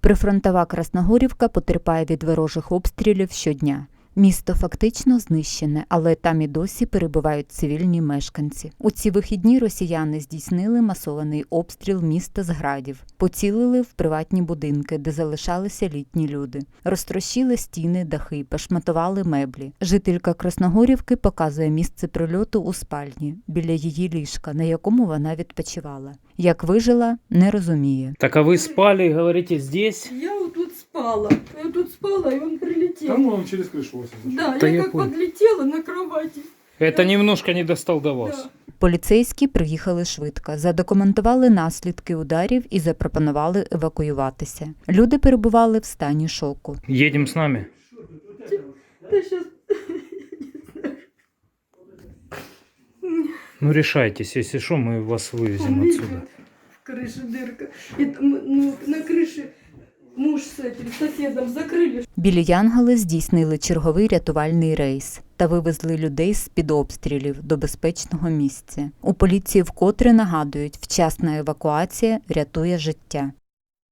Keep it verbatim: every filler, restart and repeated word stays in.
Прифронтова Красногорівка потерпає від ворожих обстрілів щодня. Місто фактично знищене, але там і досі перебувають цивільні мешканці. У ці вихідні росіяни здійснили масований обстріл міста з градів. Поцілили в приватні будинки, де залишалися літні люди. Розтрощили стіни, дахи, пошматували меблі. Жителька Красногорівки показує місце прильоту у спальні, біля її ліжка, на якому вона відпочивала. Як вижила, не розуміє. Так а вы спали, говорите, здесь? Я вот тут спала. Я тут спала, и он прилетел. Там он через крышу вас. Да, Да я, я как понял. подлетела на кровати. Это немножко не достал до вас. Да. Поліцейські приїхали швидко, задокументували наслідки ударів і запропонували евакуюватися. Люди перебували в стані шоку. Едем с нами. Да сейчас... Ну решайтесь, если что, мы вас вывезем Он отсюда. лежит, в крыше дырка. И там, ну, на крыше муж с этим соседом закрыли. Білі Янголи здійснили черговий рятувальний рейс та вивезли людей з-під обстрілів до безпечного місця. У поліції вкотре нагадують, вчасна евакуація рятує життя.